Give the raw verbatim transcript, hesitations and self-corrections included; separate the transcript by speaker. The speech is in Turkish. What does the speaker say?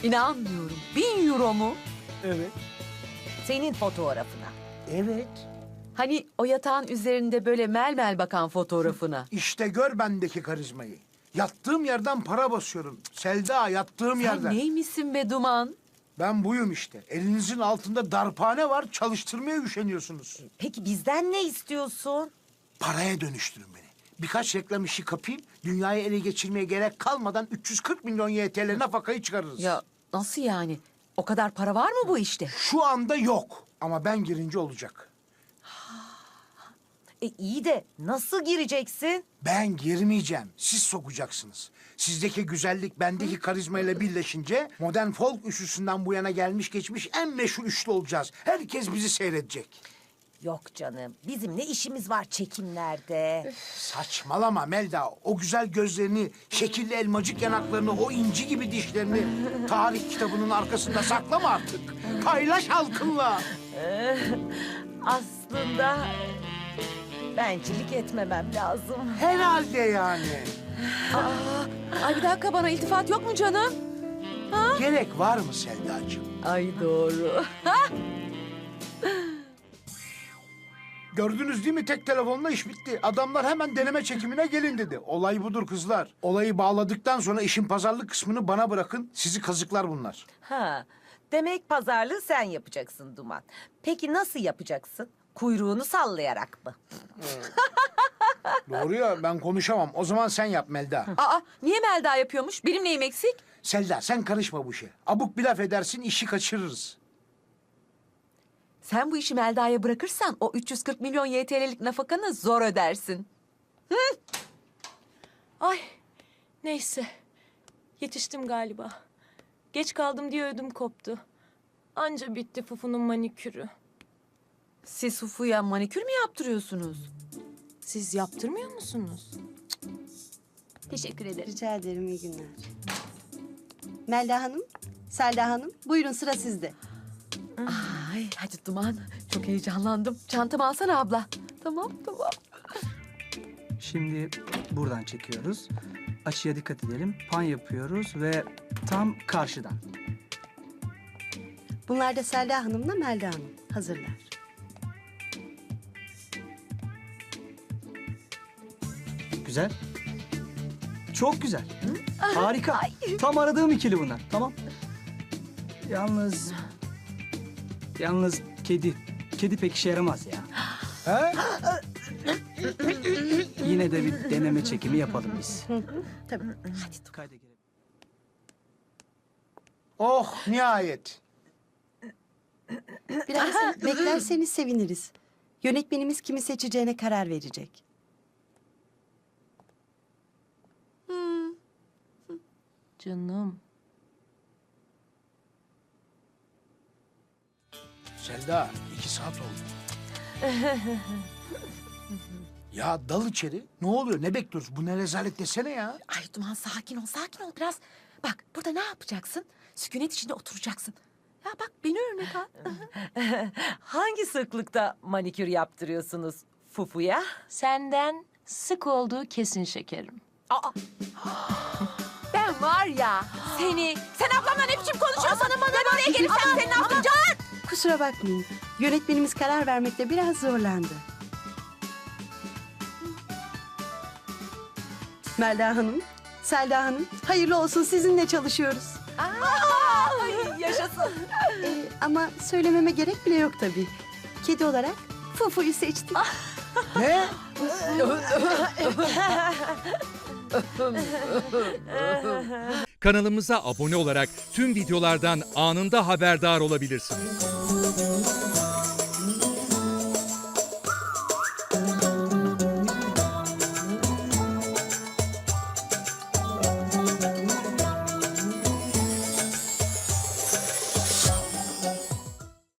Speaker 1: İnanmıyorum. Bin euro mu?
Speaker 2: Evet.
Speaker 3: Senin fotoğrafına.
Speaker 2: Evet.
Speaker 1: Hani o yatağın üzerinde böyle mel mel bakan fotoğrafına.
Speaker 2: İşte gör bendeki karizmayı. Yattığım yerden para basıyorum. Selda, yattığım
Speaker 1: Sen
Speaker 2: yerden.
Speaker 1: neymişsin be Duman?
Speaker 2: Ben buyum işte. Elinizin altında darphane var, çalıştırmaya üşeniyorsunuz.
Speaker 3: Peki bizden ne istiyorsun?
Speaker 2: Paraya dönüştürün beni. Birkaç reklam işi kapayım, dünyayı ele geçirmeye gerek kalmadan üç yüz kırk milyon Y T L nafakayı çıkarırız.
Speaker 1: Ya nasıl yani? O kadar para var mı bu işte?
Speaker 2: Şu anda yok ama ben girince olacak.
Speaker 3: E iyi de nasıl gireceksin?
Speaker 2: Ben girmeyeceğim, siz sokacaksınız. Sizdeki güzellik bendeki karizmayla birleşince modern folk üçlüsünden bu yana gelmiş geçmiş en meşhur üçlü olacağız. Herkes bizi seyredecek.
Speaker 3: Yok canım, bizim ne işimiz var çekimlerde?
Speaker 2: Saçmalama Melda. O güzel gözlerini, şekilli elmacık yanaklarını, o inci gibi dişlerini tarih kitabının arkasında saklama artık. Paylaş halkınla.
Speaker 3: Aslında bencillik etmemem lazım.
Speaker 2: Herhalde yani.
Speaker 1: Ay bir dakika, bana iltifat yok mu canım?
Speaker 2: Gerek var mı Selda'cığım?
Speaker 1: Ay doğru.
Speaker 2: Gördünüz değil mi, tek telefonla iş bitti. Adamlar hemen deneme çekimine gelin dedi. Olay budur kızlar. Olayı bağladıktan sonra işin pazarlık kısmını bana bırakın. Sizi kazıklar bunlar.
Speaker 3: Ha, demek pazarlığı sen yapacaksın Duman. Peki nasıl yapacaksın? Kuyruğunu sallayarak mı?
Speaker 2: Doğru ya, ben konuşamam. O zaman sen yap Melda.
Speaker 1: Aa, niye Melda yapıyormuş? Benim neyim eksik?
Speaker 2: Selda, sen karışma bu işe. Abuk bir laf edersin, işi kaçırırız.
Speaker 1: Sen bu işi Melda'ya bırakırsan o üç yüz kırk milyon Y T L'lik nafakanı zor ödersin.
Speaker 4: Ay neyse. Yetiştim galiba. Geç kaldım diye ödüm koptu. Anca bitti Fufu'nun manikürü.
Speaker 1: Siz Fufu'ya manikür mü yaptırıyorsunuz?
Speaker 4: Siz yaptırmıyor musunuz?
Speaker 5: Teşekkür ederim.
Speaker 6: Rica ederim, iyi günler. Melda Hanım, Selda Hanım, buyurun sıra sizde.
Speaker 1: Ay hadi Duman, çok heyecanlandım. Çantamı alsana abla. Tamam tamam.
Speaker 7: Şimdi buradan çekiyoruz. Açıya dikkat edelim. Pan yapıyoruz ve tam karşıdan.
Speaker 6: Bunlar da Selda Hanım'la Melda Hanım hazırlar.
Speaker 7: Güzel. Çok güzel. Harika. Tam aradığım ikili bunlar. Tamam. Yalnız... Yalnız kedi... Kedi pek işe yaramaz ya.
Speaker 2: He?
Speaker 7: Yine de bir deneme çekimi yapalım biz.
Speaker 6: Tabii.
Speaker 7: Hadi kayda girelim.
Speaker 2: Oh, nihayet.
Speaker 6: Biraz beklerseniz seviniriz. Yönetmenimiz kimi seçeceğine karar verecek.
Speaker 4: Canım.
Speaker 2: Selda, iki saat oldu. Ya dal içeri. Ne oluyor? Ne bekliyoruz? Bu ne rezalet desene ya.
Speaker 1: Ay Duman, sakin ol, sakin ol biraz. Bak burada ne yapacaksın? Sükunet içinde oturacaksın. Ya bak beni örnek al.
Speaker 3: Hangi sıklıkta manikür yaptırıyorsunuz Fufu'ya?
Speaker 4: Senden sık olduğu kesin şekerim.
Speaker 1: Aa. Ben var ya seni... Sen ablamla ne biçim konuşuyorsun? Bana ben oraya gelirsem seni ne yapacağım?
Speaker 6: Kusura bakmayın. Yönetmenimiz karar vermekte biraz zorlandı. Melda Hanım, Selda Hanım, hayırlı olsun, sizinle çalışıyoruz.
Speaker 1: Ay yaşasın.
Speaker 6: Ee, ama söylememe gerek bile yok tabii. Kedi olarak Fufu'yu seçtik.
Speaker 2: Ne?
Speaker 8: Kanalımıza abone olarak tüm videolardan anında haberdar olabilirsiniz.